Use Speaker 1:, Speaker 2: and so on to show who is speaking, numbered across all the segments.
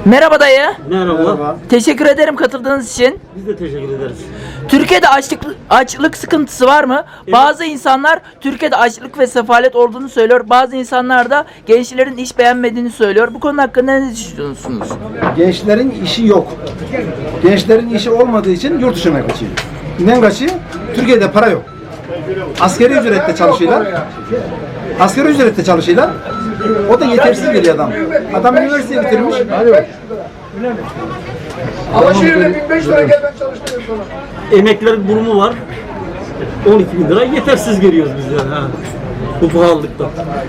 Speaker 1: Merhaba dayı.
Speaker 2: Merhaba.
Speaker 1: Teşekkür ederim katıldığınız için.
Speaker 2: Biz de teşekkür ederiz.
Speaker 1: Türkiye'de açlık sıkıntısı var mı? Bazı insanlar Türkiye'de açlık ve sefalet olduğunu söylüyor. Bazı insanlar da gençlerin iş beğenmediğini söylüyor. Bu konu hakkında ne düşünüyorsunuz?
Speaker 3: Gençlerin işi yok. Gençlerin işi olmadığı için yurt dışına kaçıyor. Neden kaçıyor? Türkiye'de para yok. Asgari ücretle çalışıyorlar. Asgari ücretle çalışıyorlar. O da yetersiz geliyor adam. Adam üniversiteyi bitirmiş.
Speaker 4: Ama şehirde 1500 lira gel ben çalıştırayım sana.
Speaker 2: Emeklilerin durumu var. 12.000 lira yetersiz geliyoruz biz yani. Ha. Bu pahalılıkta.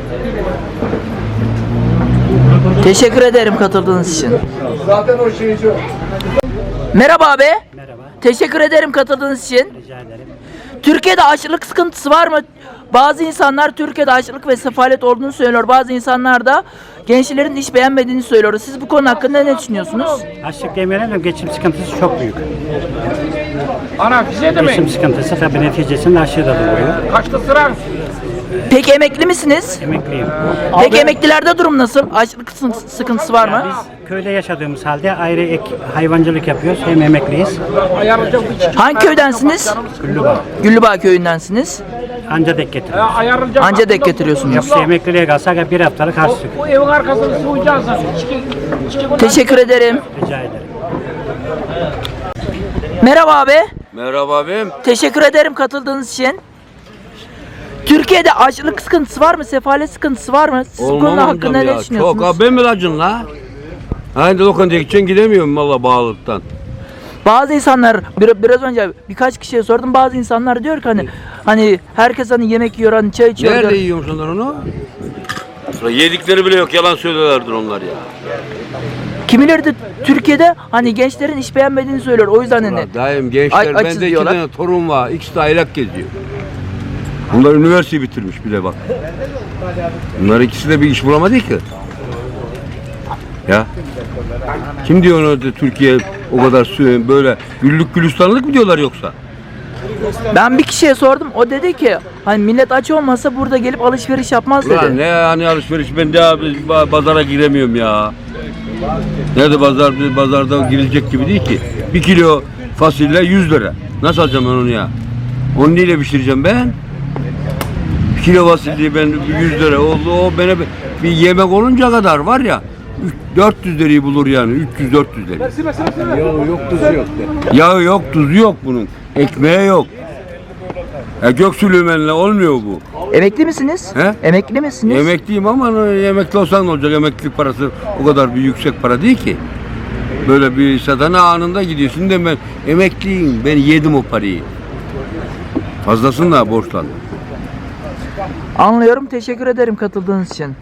Speaker 1: Teşekkür ederim katıldığınız için.
Speaker 4: Zaten o şeyci o.
Speaker 1: Merhaba abi.
Speaker 5: Merhaba,
Speaker 1: Teşekkür ederim katıldığınız için.
Speaker 5: rica ederim.
Speaker 1: Türkiye'de açlık sıkıntısı var mı? Bazı insanlar Türkiye'de açlık ve sefalet olduğunu söylüyor. Bazı insanlar da gençlerin iş beğenmediğini söylüyor. Siz bu konu hakkında ne düşünüyorsunuz?
Speaker 5: Açlık demeyelim de geçim sıkıntısı çok büyük.
Speaker 4: Ana bize de mi?
Speaker 5: Geçim sıkıntısı tabii neticesinde aşırı doğuyor.
Speaker 4: Kaçta sıra?
Speaker 1: Peki emekli misiniz?
Speaker 5: Emekliyim.
Speaker 1: Peki emeklilerde durum nasıl? Açlık sıkıntısı var mı?
Speaker 5: Biz köyde yaşadığımız halde ayrı ek hayvancılık yapıyoruz. Hem emekliyiz.
Speaker 4: Ayarlayacağım hiç.
Speaker 1: Hangi köydensiniz?
Speaker 5: Güllübağ.
Speaker 1: Güllübağ köyündensiniz.
Speaker 5: Anca denk getiriyoruz.
Speaker 4: Ayarlayacağım.
Speaker 1: Anca denk getiriyorsunuz.
Speaker 5: Yoksa emekliliğe kalsak bir haftalık harçlık.
Speaker 4: O evin arkasını sıvayacaksın sen.
Speaker 1: Teşekkür ederim.
Speaker 5: Rica ederim.
Speaker 1: Merhaba abi.
Speaker 6: Merhaba abim.
Speaker 1: Teşekkür ederim katıldığınız için. Türkiye'de açlık sıkıntısı var mı? Sefalet sıkıntısı var mı? Siz bu konu hakkında ne düşünüyorsunuz?
Speaker 6: Çok abi, ben mi acın la? Aynı lokantaya gideceksin, gidemiyorum valla bağlılıktan.
Speaker 1: Bazı insanlar biraz önce birkaç kişiye sordum. Bazı insanlar diyor ki hani herkes hani yemek yiyor, hani çay içiyor
Speaker 6: Nerede
Speaker 1: diyor.
Speaker 6: yiyormuş onlar onu? Yedikleri bile yok, yalan söylüyorlardır onlar ya.
Speaker 1: Kimileri de Türkiye'de hani gençlerin iş beğenmediğini söylüyor. O yüzden hani
Speaker 6: Daim gençler,
Speaker 1: açız
Speaker 6: bende iki
Speaker 1: diyorlar.
Speaker 6: tane torun var, ikisi de aylak geziyor. Bunlar üniversiteyi bitirmiş bile bak. Bunlar ikisi de bir iş bulamadı ki. Ya. Kim diyor onu da Türkiye o kadar böyle güllük gülistanlık mı diyorlar yoksa?
Speaker 1: Ben bir kişiye sordum. O dedi ki hani millet aç olmasa burada gelip alışveriş yapmaz
Speaker 6: Ulan
Speaker 1: dedi.
Speaker 6: ne hani alışveriş, ben de abi pazara giremiyorum ya. Nerede pazarda girilecek gibi değil ki. 1 kilo fasulye 100 lira. Nasıl alacağım ben onu ya? Onu neyle pişireceğim ben? 1 kilo fasulye ben 100 lira oldu, o bana bir yemek olunca kadar var ya 400 lirayı bulur yani, 300-400 lira. Yağı yok, tuzu yok. Yağı yok, tuzu yok bunun. Ekmeği yok. Göksülümenle olmuyor bu.
Speaker 1: Emekli misiniz?
Speaker 6: He?
Speaker 1: Emekli misiniz?
Speaker 6: Emekliyim ama emekli olsan ne olacak? Emeklilik parası o kadar bir yüksek para değil ki. Böyle bir satana anında gidiyorsun de ben emekliyim, ben yedim o parayı. Fazlasını da borçlandım.
Speaker 1: Anlıyorum. Teşekkür ederim katıldığınız için.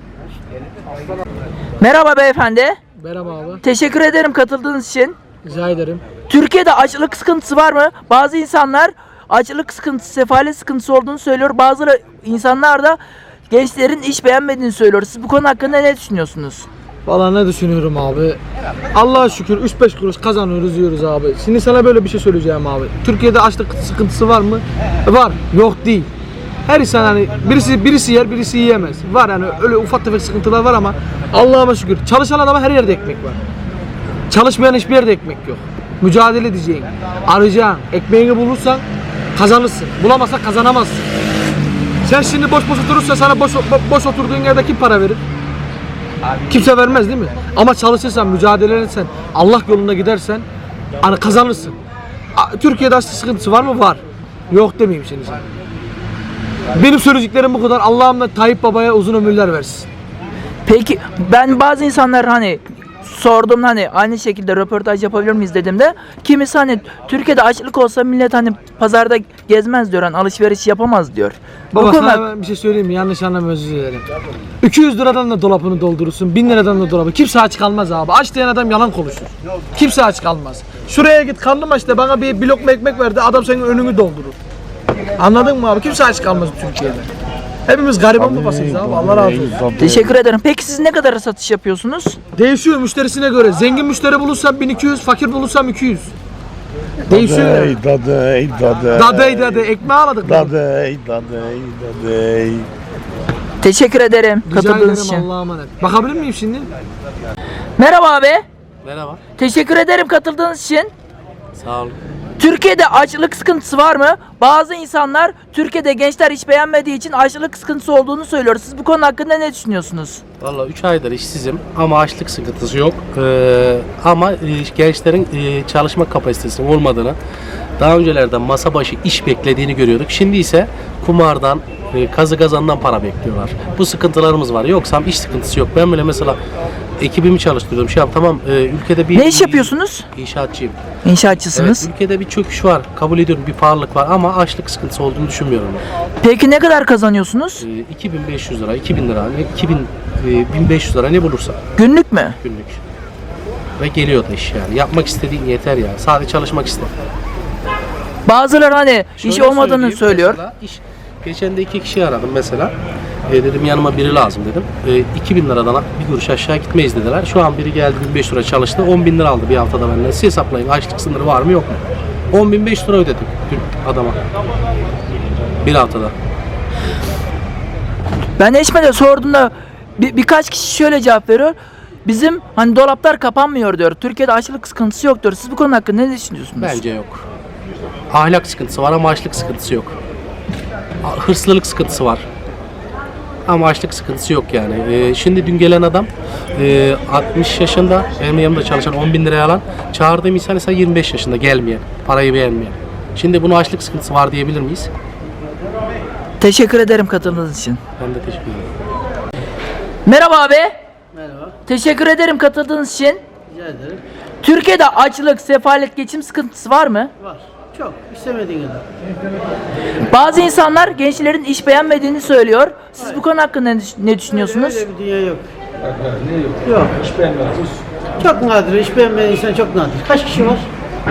Speaker 1: Merhaba beyefendi.
Speaker 7: Merhaba abi.
Speaker 1: Teşekkür ederim katıldığınız için.
Speaker 7: Rica ederim.
Speaker 1: Türkiye'de açlık sıkıntısı var mı? Bazı insanlar açlık sıkıntısı, sefalet sıkıntısı olduğunu söylüyor. Bazı insanlar da gençlerin iş beğenmediğini söylüyor. Siz bu konu hakkında ne düşünüyorsunuz?
Speaker 7: Valla ne düşünüyorum abi? Allah'a şükür 3-5 kuruş kazanıyoruz, yiyoruz abi. Şimdi sana böyle bir şey söyleyeceğim abi. Türkiye'de açlık sıkıntısı var mı? Var. Yok değil. Her insan hani birisi yer, birisi yiyemez. Var yani öyle ufak tefek sıkıntılar var ama Allah'a şükür çalışan adama her yerde ekmek var. Çalışmayan hiçbir yerde ekmek yok. Mücadele edeceksin. Arayacaksın. Ekmeğini bulursan kazanırsın. Bulamazsan kazanamazsın. Sen şimdi boş oturursa sana boş oturduğun yerde kim para verir? Kimse vermez değil mi? Ama çalışırsan, mücadele edersen, Allah yolunda gidersen hani kazanırsın. Türkiye'de açlık sıkıntısı var mı? Var. Yok demeyeyim şimdi sana. Benim söyleyeceklerim bu kadar. Allah'ım da Tayyip Baba'ya uzun ömürler versin.
Speaker 1: Peki ben bazı insanlar hani sordum hani aynı şekilde röportaj yapabilir miyiz dediğimde kimisi hani Türkiye'de açlık olsa millet hani pazarda gezmez diyor, hani alışveriş yapamaz diyor.
Speaker 7: Baba
Speaker 1: Bu konuda
Speaker 7: sana ben bir şey söyleyeyim mi? Yanlış anlama, özür dilerim. 200 liradan da dolabını doldurursun, 1000 liradan da dolabı. Kimse aç kalmaz abi. Aç diyen adam yalan konuşur. Kimse aç kalmaz. Şuraya git, karnım aç de bana bir lokma ekmek verdi, adam senin önünü doldurur. Anladın mı abi? Kimse aç kalmaz Türkiye'de. Hepimiz gariban babasıyız abi. Allah razı olsun.
Speaker 1: teşekkür ederim. Peki siz ne kadar satış yapıyorsunuz?
Speaker 7: Değişiyor müşterisine göre. Zengin müşteri bulursam 1200, fakir bulursam 200. Değişiyor.
Speaker 8: Dadey.
Speaker 7: Dadey. Ekmeği aladık.
Speaker 8: Dadey.
Speaker 1: Teşekkür ederim
Speaker 7: Rica
Speaker 1: katıldığınız
Speaker 7: ederim,
Speaker 1: için.
Speaker 7: Allah'a emanet. Bakabilir miyim şimdi?
Speaker 1: Merhaba abi.
Speaker 8: Merhaba.
Speaker 1: Teşekkür ederim katıldığınız için.
Speaker 8: Sağ olun.
Speaker 1: Türkiye'de açlık sıkıntısı var mı? Bazı insanlar Türkiye'de gençler iş beğenmediği için açlık sıkıntısı olduğunu söylüyor. Siz bu konu hakkında ne düşünüyorsunuz?
Speaker 8: Valla 3 aydır işsizim ama açlık sıkıntısı yok. Ama gençlerin çalışma kapasitesinin olmadığını, daha öncelerden masa başı iş beklediğini görüyorduk. Şimdi ise kumardan, kazı kazandan para bekliyorlar. Bu sıkıntılarımız var. Yoksa iş sıkıntısı yok. Ben böyle mesela ekibimi çalıştırıyorum. Tamam, ülkede bir...
Speaker 1: Ne iş yapıyorsunuz?
Speaker 8: İnşaatçıyım.
Speaker 1: İnşaatçısınız.
Speaker 8: Evet, ülkede bir çöküş var. Kabul ediyorum, bir pahalılık var ama açlık sıkıntısı olduğunu düşünmüyorum.
Speaker 1: Peki ne kadar kazanıyorsunuz?
Speaker 8: 2500 lira, 2000 lira, 1500 lira ne bulursa
Speaker 1: Günlük mü?
Speaker 8: günlük. Ve geliyor da iş yani. Yapmak istediğin yeter ya. Sadece çalışmak ister.
Speaker 1: Bazıları hani iş
Speaker 8: Şöyle
Speaker 1: olmadığını
Speaker 8: söyleyeyim,
Speaker 1: söylüyor.
Speaker 8: mesela geçen de 2 kişi aradım mesela. Dedim yanıma biri lazım dedim. 2000 liradan bir kuruş aşağı gitmeyiz dediler. Şu an biri geldi 1500 lira çalıştı. 10.000 lira aldı bir haftada benden. Siz hesaplayın. Açlık sınırı var mı yok mu? 10.500 lira ödedim dün adama. Bir haftada.
Speaker 1: Ben Eşme'de sorduğumda birkaç kişi şöyle cevap veriyor. Bizim hani dolaplar kapanmıyor diyor. Türkiye'de açlık sıkıntısı yok diyor. Siz bu konu hakkında ne düşünüyorsunuz?
Speaker 8: Bence yok. Ahlak sıkıntısı var ama açlık sıkıntısı yok. Hırslılık sıkıntısı var. Ama açlık sıkıntısı yok yani. Şimdi dün gelen adam 60 yaşında benim yanımda çalışan 10.000 liraya alan, çağırdığım insan ise 25 yaşında gelmeyen, parayı beğenmeyen. Şimdi bunu açlık sıkıntısı var diyebilir miyiz?
Speaker 1: Teşekkür ederim katıldığınız için.
Speaker 8: Ben de teşekkür ederim.
Speaker 1: Merhaba abi.
Speaker 9: Merhaba,
Speaker 1: Teşekkür ederim katıldığınız için.
Speaker 9: rica ederim.
Speaker 1: Türkiye'de açlık, sefalet, geçim sıkıntısı var mı?
Speaker 9: Var. Çok. İstemediğin kadar.
Speaker 1: Bazı insanlar gençlerin iş beğenmediğini söylüyor. Siz bu konu hakkında ne düşünüyorsunuz?
Speaker 9: Öyle bir dünya yok. Yok. İş beğenmez. Çok nadir. İş beğenmeyen insan çok nadir. Kaç kişi var?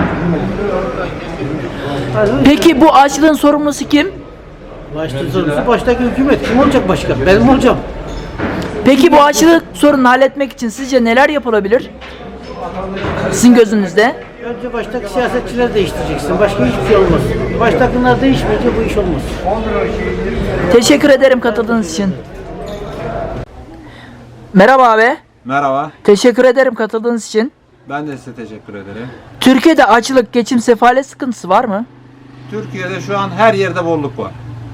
Speaker 1: Peki bu açlığın sorumlusu kim?
Speaker 9: Baştaki hükümet. Kim olacak başka? Ben mi olacağım?
Speaker 1: Peki bu açlık sorununu halletmek için sizce neler yapılabilir? Sizin gözünüzde?
Speaker 9: Önce baştaki siyasetçileri değiştireceksin. Başka hiçbir şey olmaz. Baştakiler değişmeyince bu iş olmaz.
Speaker 1: Teşekkür ederim katıldığınız için. Merhaba abi.
Speaker 10: Merhaba.
Speaker 1: Teşekkür ederim katıldığınız için.
Speaker 10: Ben de size teşekkür ederim.
Speaker 1: Türkiye'de açlık, geçim, sefalet sıkıntısı var mı?
Speaker 10: Türkiye'de şu an her yerde bolluk var.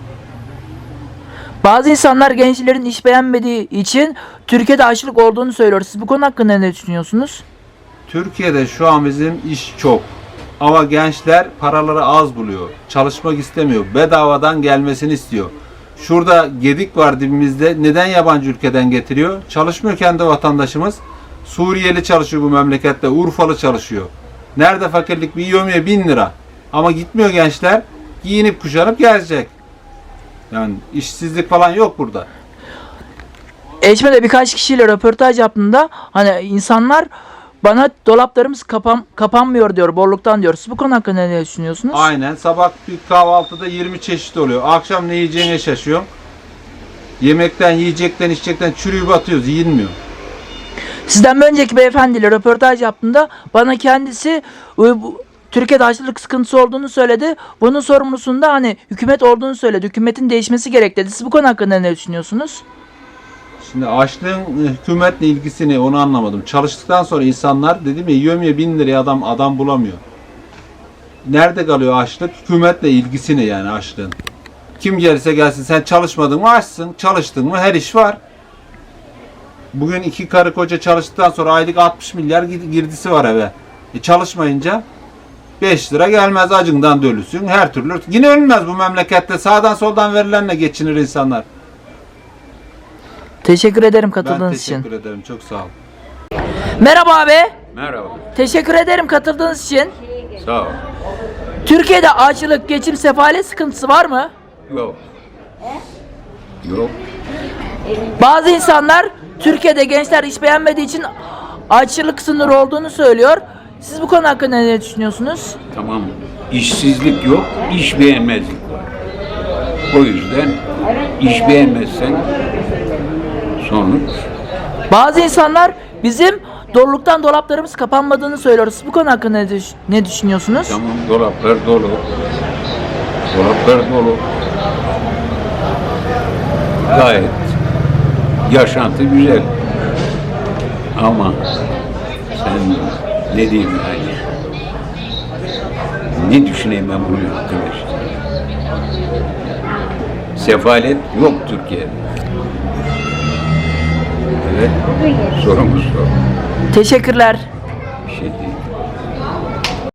Speaker 1: Bazı insanlar gençlerin iş beğenmediği için Türkiye'de açlık olduğunu söylüyor. Siz bu konu hakkında ne düşünüyorsunuz?
Speaker 10: Türkiye'de şu an bizim iş çok. Ama gençler paraları az buluyor. Çalışmak istemiyor. Bedavadan gelmesini istiyor. Şurada gedik var dibimizde. Neden yabancı ülkeden getiriyor? Çalışmıyor kendi vatandaşımız. Suriyeli çalışıyor bu memlekette. Urfalı çalışıyor. Nerede fakirlik? Bir yövmiye 1000 lira. Ama gitmiyor gençler. Giyinip kuşanıp gelecek. Yani işsizlik falan yok burada.
Speaker 1: Eşme'de birkaç kişiyle röportaj yaptığımda hani insanlar bana dolaplarımız kapanmıyor diyor, bolluktan diyor. Siz bu konu hakkında ne düşünüyorsunuz?
Speaker 10: Aynen. Sabah bir kahvaltıda 20 çeşit oluyor. Akşam ne yiyeceğine şaşıyor. Yemekten, yiyecekten, içecekten çürüyüp atıyoruz. Yiyilmiyor.
Speaker 1: Sizden bir önceki beyefendiyle röportaj yaptığımda bana kendisi Türkiye'de açlık sıkıntısı olduğunu söyledi. Bunun sorumlusunda hani hükümet olduğunu söyledi. Hükümetin değişmesi gerek dedi. Siz bu konu hakkında ne düşünüyorsunuz?
Speaker 10: Şimdi açlığın hükümetle ilgisini onu anlamadım. Çalıştıktan sonra insanlar dedim ya yövmiye 1000 liraya adam bulamıyor. Nerede kalıyor açlık? Hükümetle ilgisini yani açlığın. Kim gelirse gelsin sen çalışmadın mı açsın, çalıştın mı her iş var. Bugün 2 karı koca çalıştıktan sonra aylık 60 milyar girdisi var eve. Çalışmayınca 5 lira gelmez, acından da ölüsün her türlü. Yine ölmez bu memlekette, sağdan soldan verilenle geçinir insanlar.
Speaker 1: Teşekkür ederim katıldığınız için.
Speaker 10: Ben teşekkür ederim, çok sağ ol.
Speaker 1: Merhaba abi.
Speaker 6: Merhaba.
Speaker 1: Teşekkür ederim katıldığınız için.
Speaker 6: Sağ ol.
Speaker 1: Türkiye'de açlık, geçim, sefalet sıkıntısı var mı?
Speaker 6: Yok. Yok.
Speaker 1: Bazı insanlar Türkiye'de gençler iş beğenmediği için açlık sınırı olduğunu söylüyor. Siz bu konu hakkında ne düşünüyorsunuz?
Speaker 11: Tamam. İşsizlik yok, iş beğenmezlik var. O yüzden iş beğenmezsen sonuç.
Speaker 1: Bazı insanlar bizim doluluktan dolaplarımız kapanmadığını söylüyor. Siz bu konu hakkında ne düşünüyorsunuz?
Speaker 11: Tamam, dolaplar dolu. Dolaplar dolu. Gayet yaşantı güzel. Ama sen Bilmiyorum. Ne diyeyim yani? Ne düşüneyim ben bunun hakkında işte. Sefalet yok Türkiye'de. Evet. Sorumuz o.
Speaker 1: Teşekkürler.
Speaker 11: Bir şey değil.